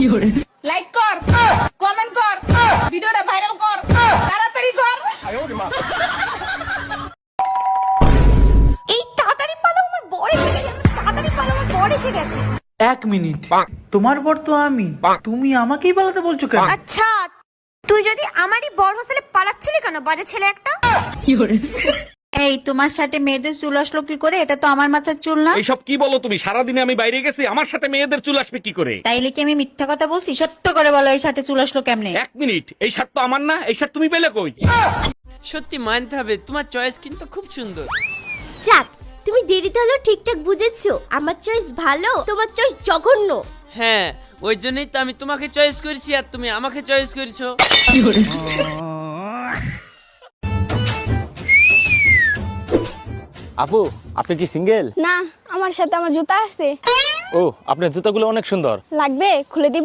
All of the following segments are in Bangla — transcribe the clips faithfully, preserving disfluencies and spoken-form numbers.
লাইক কর, কমেন্ট কর, ভিডিওটা ভাইরাল কর, তাড়াতাড়ি কর। এই তাড়াতাড়ি পালাও, আমার বর এসে গেছে। তাড়াতাড়ি পালাও, আমার বর এসে গেছে। এক মিনিট, তোমার বর তো আমি, তুমি আমাকেই পালাতে বলছো কেন? আচ্ছা, তুই যদি আমারই বর হোস্টেলে পালাচ্ছিলি কেন, বাজে ছেলে একটা? এই তোমার সাথে মেয়েদের চুল আসলো কি করে? এটা তো আমার মাথার চুল না। এইসব কি বলো তুমি? সারাদিনে আমি বাইরে গেছি, আমার সাথে মেয়েদের চুল আসবে কি করে? তাইলে কি আমি মিথ্যা কথা বলছি? সত্য করে বলো, এই সাথে চুল আসলো কেমনে? এক মিনিট, এই শার্ট তো আমার না, এই শার্ট তুমি পেলে কই? সত্যি মানতে হবে, তোমার চয়েস কিন্তু খুব সুন্দর। যাক, তুমি দেরিতে হলেও ঠিকঠাক বুঝেছো। আমার চয়েস ভালো, তোমার চয়েস জঘন্য। হ্যাঁ, ওই জন্যই তো আমি তোমাকে চয়েস করেছি আর তুমি আমাকে চয়েস করেছো। আপু, আপনি কি সিঙ্গেল? না, আমার সাথে আমার জুতা আছে। ও, আপনার জুতাগুলো অনেক সুন্দর। লাগবে? খুলে দিব?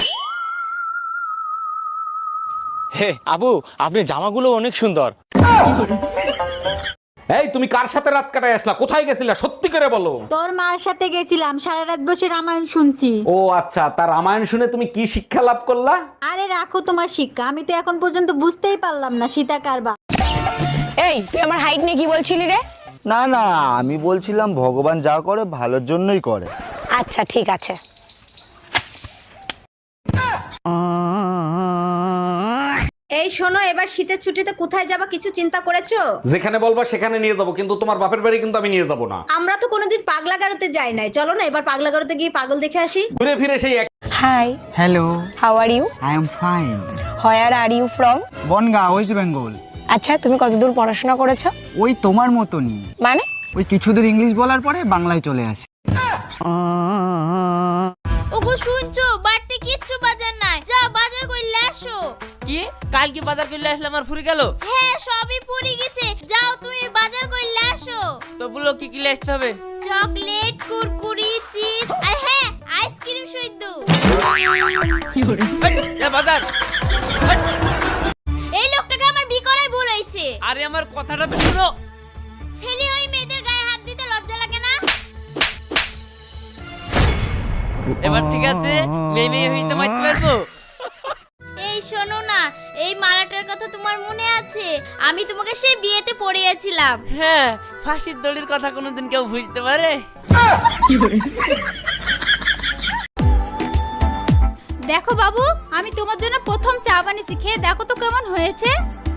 হে আপু, আপনার জামাগুলো অনেক সুন্দর। এই তুমি কার সাথে রাত কাটায় আসলা? কোথায় গেছিলা? সত্যি করে বলো। তোর মার সাথে গেছিলাম, সারা রাত বসে রামায়ণ শুনছি। ও আচ্ছা, তার রামায়ণ শুনে তুমি কি শিক্ষা লাভ করলা? আরে রাখো তোমার শিক্ষা, আমি তো এখন পর্যন্ত বুঝতেই পারলাম না সীতা কার বাপ। এই, তুই আমার হাইট নিয়ে কি বলছিলি রে? না না, আমি বলছিলাম ভগবান যা করে ভালোর জন্যই করে। আচ্ছা ঠিক আছে। এই শোনো, এবার শীতের ছুটিতে কোথায় যাবা কিছু চিন্তা করেছো? যেখানে বলবা সেখানে নিয়ে যাবো, কিন্তু তোমার বাপের বাড়ি কিন্তু আমি নিয়ে যাবো না। আমরা তো কোনোদিন পাগলা গারোতে যাই নাই, চলো না এবার পাগলা গারোতে গিয়ে পাগল দেখে আসি। ঘুরে ফিরে সেই এক। Hi, hello, how are you? I am fine. Where are you from? Bangaon, West Bengal. আচ্ছা, তুমি কতদূর পড়াশোনা করেছো? ওই তোমার মতনই, মানে? ওই কিছুদূর ইংলিশ বলার পরে বাংলায় চলে আসি। ওগো শুনছো, বাড়িতে কিচ্ছু বাজার নাই, যা বাজার কইলে আসো। কি কালকে বাজার করলে আসলে আমার ফুরি গেল? হ্যাঁ, সবই পুরি গেছে, যাও তুমি বাজার কইলে আসো। তো বলো কি কি আসতে হবে? চকলেট, কুরকুরি, চিপস আর হ্যাঁ, আইসক্রিম সইদ্য। এ বাজার। এই লোকটাকে আমার বি করাই ভুল হয়েছে। আরে আমার কথাটা তো শুনো। ছেলে হই মেয়েদের গায়ে হাত দিতে লজ্জা লাগে না? এবার ঠিক আছে, মেয়ে মেয়ে হইতে মারতে পারবো। এই শোনো না, এই মালাটার কথা তোমার মনে আছে? আমি তোমাকে সেই বিয়েতে পড়িয়েছিলাম। হ্যাঁ, ফাঁসির দড়ির কথা কোনোদিন কেউ ভুলতে পারে? দেখো বাবু, আমি তোমার জন্য প্রথম চা বানিয়েছি, খেয়ে দেখো তো কেমন হয়েছে।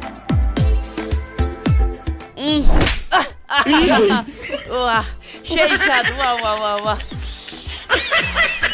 উম, আহ, আহ, আহ, ও আহ, সেই স্বাদ, বাহ বাহ বাহ বাহ।